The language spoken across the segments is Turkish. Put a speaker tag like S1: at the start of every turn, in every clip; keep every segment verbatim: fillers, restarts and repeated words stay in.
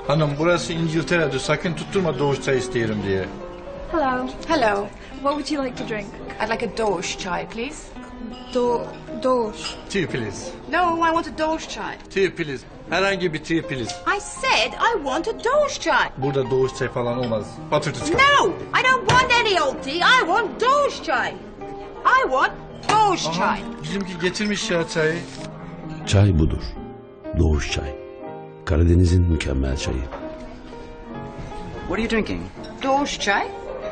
S1: Hanım burası İngiltere'dir. Sakın tutturma doğuş çay isteyelim diye.
S2: Hello.
S3: Hello.
S2: What would you like to drink?
S3: I'd like a dosh chai, please.
S2: Do dosh.
S1: Tea please.
S3: No, I want a dosh chai.
S1: Tea please. Herhangi bir tea please.
S3: I said I want a dosh chai.
S1: Burada doğuş çay falan olmaz. Patırtı çıkar.
S3: No, I don't want any old tea. I want dosh chai. I want dosh
S1: Aha,
S3: chai.
S1: bizimki getirmiş ya çayı.
S4: Çay budur. Doğuş çay. Karadeniz'in mükemmel çayı.
S5: What are you drinking?
S3: Dosh chai?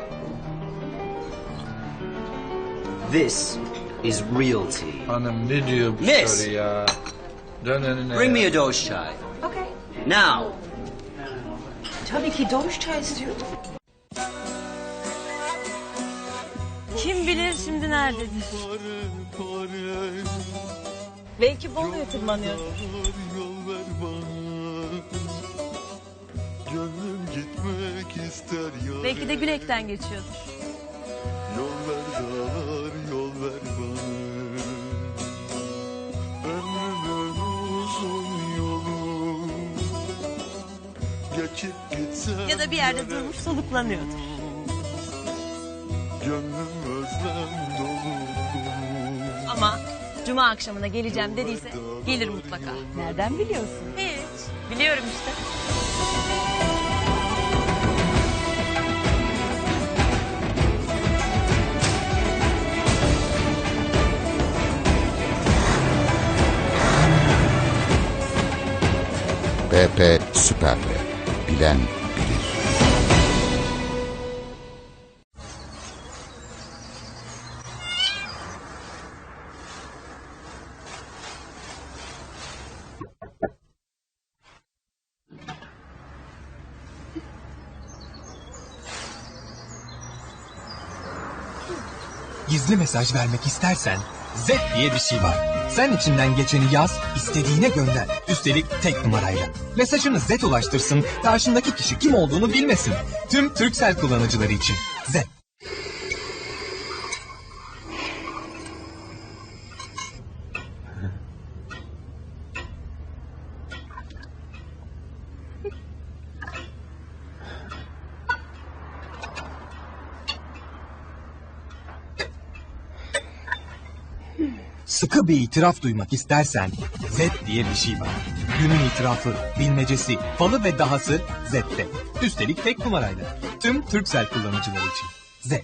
S5: This is real tea.
S1: Hanım ne diyor bu
S5: Miss.
S1: soru ya? Dön önüne
S5: Bring
S1: ya.
S5: me a dosh chai.
S3: Okay.
S5: Now.
S3: Tabii ki dosh chai istiyorum.
S6: Kim bilir şimdi nerededir? Belki Bolu'ya tırmanıyor.
S7: Gönlüm gitmek ister ya.
S6: Belki de Gülek'ten geçiyordur.
S7: Yol ver dar, yol ver bana. Ömrümün uzun yolu. Geçip gitsem
S6: Ya da bir yerde durmuş soluklanıyordur.
S7: gönlüm özlem dolu.
S6: Ama Cuma akşamına geleceğim dediyse gelir mutlaka.
S8: Nereden biliyorsun?
S6: Hiç. Biliyorum işte.
S9: B P Süper P. Bilen bilir.
S10: Gizli mesaj vermek istersen Z diye bir şey var. Sen içinden geçeni yaz, istediğine gönder. Üstelik tek numarayla. Mesajını Z ulaştırsın, karşındaki kişi kim olduğunu bilmesin. Tüm Turkcell kullanıcıları için. Z. Sıkı bir itiraf duymak istersen Z diye bir şey var. Günün itirafı, bilmecesi, falı ve dahası Z'te. Üstelik tek numarayla. Tüm Turkcell kullanıcıları için. Z.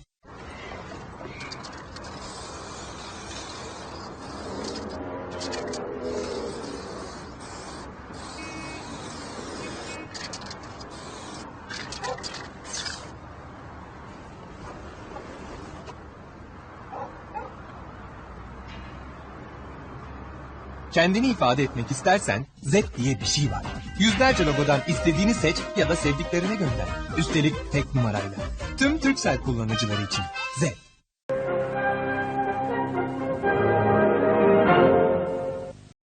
S10: Kendini ifade etmek istersen Z diye bir şey var. Yüzlerce logodan istediğini seç ya da sevdiklerine gönder. Üstelik tek numarayla. Tüm Turkcell kullanıcıları için Z.